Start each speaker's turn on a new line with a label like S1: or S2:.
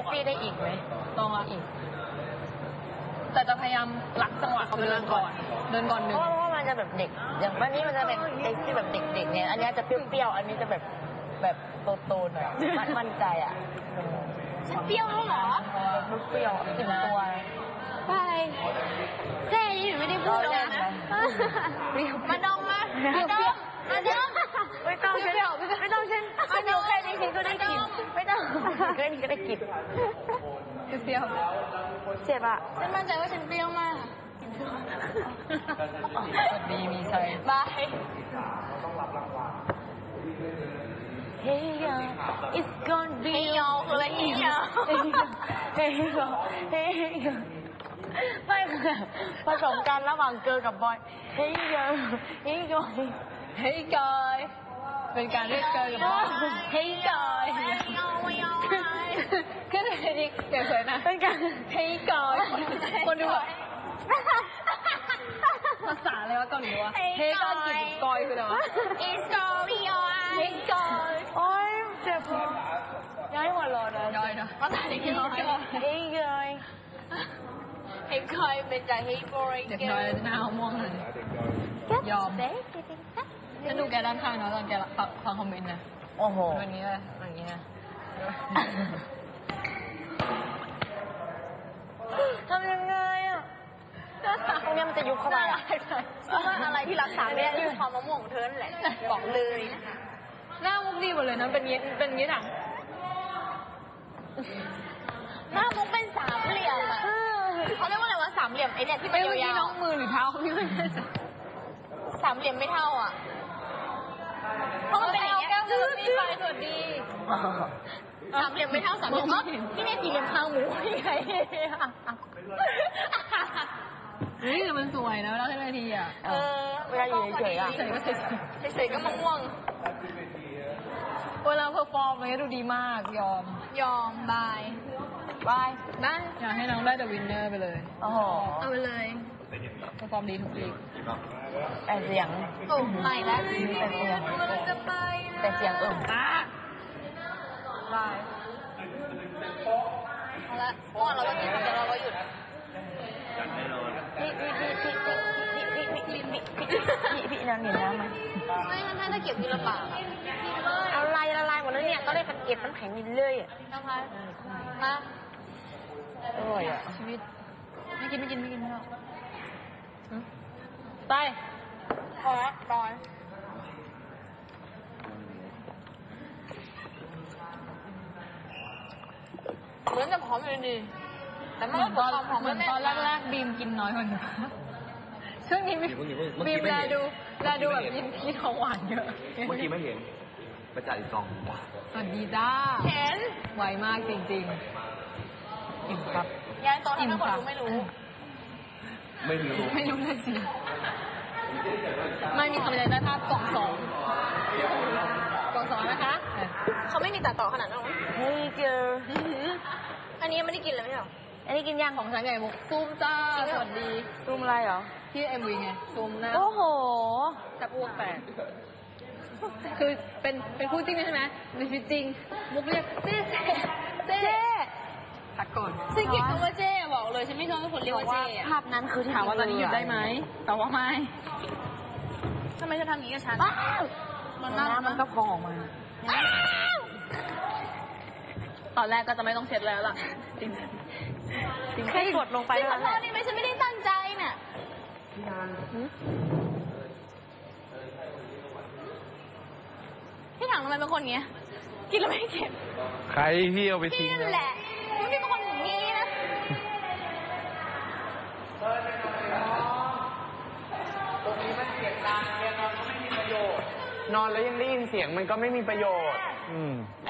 S1: ปี้ได้อีกไหม
S2: ลองละอีกแต่จะพยายามรักจังหวะเขาไปเดินก่อนหนึ่ง
S1: เพราะว่ามันจะแบบเด็กอย่างวันนี้มันจะเป็นเด็กที่แบบเด็กๆเนี่ยอันนี้จะเปรี้ยวๆอันนี้จะแบบโตๆหน่อยมั่นใจอ่ะ
S3: ฉันเปรี้ยวแล้วเหรอ
S1: เปรี้ยวกินตัว
S3: ไปเจ๊นี่ไม่ได้พูดเลยนะมาดมมาดม
S1: ไม่ต้องฉันอยู่แค่นี้ฉันก็ได้กินไม่ต้องแค่นี้ก็ได้กิน
S2: เปรี้ยว
S1: เจ็บอ่ะ
S3: ฉันมั่นใจว่าฉันเปรี้ยวมาก
S2: ดีมีใจ
S3: บาย
S1: Hey yo it's gonna be
S3: ยอคืออะไรเนี่ย
S1: Hey yo ไม่คือผสมกันระหว่างเกิร์ลกับบอย Hey yo Hey yo
S2: Hey guy เป็นการเรียกเกิร์ลกับบอย Hey guy ก็เลยดิเดี๋ยวเลยนะ
S1: เป็นการ
S2: Hey guy คนดูแบบภาษาอะไรวะเกาหลีวะ Hey guy กินกอยคืออะไรวะ
S3: It's going on
S2: Hey guy
S1: โอ๊ยเจ็บย้ายหัวร้อนนะ
S2: ย้อยนะ
S3: ภาษาเด็กน้อย
S1: Hey guy
S3: เฮ้ยคอยเป็นใจเฮ้ยบอย
S2: เด็กน้อยหน้าม่วงเลยยอมฉันดูแกด้านข้างเนาะตอนแกฟังคอมเมนต์นะ
S1: โอ้โห
S2: แบบนี้เลยอย่างนี้นะ
S1: ทำยังไงอ่ะตรงนี้มันจะยุบเข้าไปอ่ะ
S3: ว่าอะไรที่รักษาไม่ได้คือความมะม่วงของเธอนั่นแหละบอกเลยนะคะ
S2: หน้ามุกดีหมดเลยนะเป็นงี้ถัง
S3: หน้ามุกเป็นสามเหลี่ยมอ่ะเขาเรียกว่าอะไรวะสามเหลี่ยมไอเนี่ยที่มันยาวๆ
S2: น้องมือหรือเท้าพี่ไม่ใช่
S3: สามเหลี่ยมไม่เท่าอ่ะเพราะมันเป็นอย่างเงี้ย
S2: สวัสดีไปสวัสดี
S3: สามเหลี่ยมไม่เท่าสามเหลี่ยมก็ที่เนี่ยสี่เหลี่ยมข้างหมูยังไง
S2: นี่แต่มันสวยนะแล้วทีอ่ะ
S1: เวลาอยู่เฉยๆอ่ะ
S3: เฉยๆก็มะม่วง
S2: เวลาเพอร์ฟอร์มมันก็ดูดีมาก
S3: ยอมบายได้
S2: อยากให้น้องได้เดอะวินเนอร์ไปเลย
S1: โอ้โห
S3: เอาไปเลย
S2: เพอร์ฟอร์มดีทุกลีก
S1: แต่เสียง
S3: ใหม่แล้ว
S1: แต่เสียง
S3: บายเอาละเมื่อวานเราก็กินแต่เราก็หยุด
S1: พี่น้ำเห็นน้ำไหม
S3: ไม่ถ้าเก็บทีละปาก
S1: เอาละลายหมดแล้วเนี่ยก็เลยเก็บน้ำแข็งนิดเลยอ่ะ
S3: นะคะมา
S1: อร่อยอ่ะ
S2: ชีวิตไม่กินไม่หรอกไป
S3: พอแล้วร้อนเหมือนจะผอมอยู่ดีแต่ไม่ว่าความผอมไม่แน่
S2: ตอนแรกบีมกินน้อยกว่าหนูช่วงนี้บีมแลดูแบบกินของหวานเยอะ
S4: เมื่อกี้ไม่เห็นประจัดอีกกอง
S2: สวัสดีจ้า
S3: เห็น
S2: ไวมากจริงๆอิ่มครับ
S3: ยายตอนนั้นคนรู้ไม่รู้
S2: เลยสิไม่มีคำใดได้ภาพกล่องสองนะคะ
S3: เขาไม่มีตัดต่อขนาดนั้นหรอ
S1: Hey girl
S3: อันนี้ยังไม่ได้กินเลยไม่ใช่หรอ
S1: อันนี้กินย่าง
S2: ของฉันไงมุกซูมจ้าสวัสดี
S1: ซูมอะไรเหรอ
S2: ที่ MV ไงซูมหน้า
S1: โอ้โห
S2: จะอ้วกแตกคือเป็นคู่จริงใช่ไหมในชีวิตจริงมุกเรียกเจ๊พักก่อน
S3: ฉันเกลียดคำว่าเจ๊บอกเลยฉันไม่ชอบให้คนเรียกว่าเจ๊
S1: ภาพนั้นคือ
S2: ถามว่าตอนนี้หยุดได้ไหมแต่ว่าไม่
S3: ทำไมเธอทำอย่างนี้กับฉัน
S1: น้ำมันก็พองออกมา
S2: ตอนแรกก็จะไม่ต้องเช็ดแล้วล่ะจริง
S1: แค่กดลงไป
S3: ขอโทษนี่ไม่ฉันไม่ได้ตั้งใจน่ะพี่ถังทำไมเป็นคนเงี้ยกินแล้วไม่เก็บ
S4: ใครพี่เอาไปทิ้ง
S3: นี่แหละพี่เป็นคนอย่างนี้นะ
S4: ตรงนี้มันเสียงดังเรียนนอนก็ไม่มีประโยชน์นอนแล้วยังได้ยินเสียงมันก็ไม่มีประโยชน์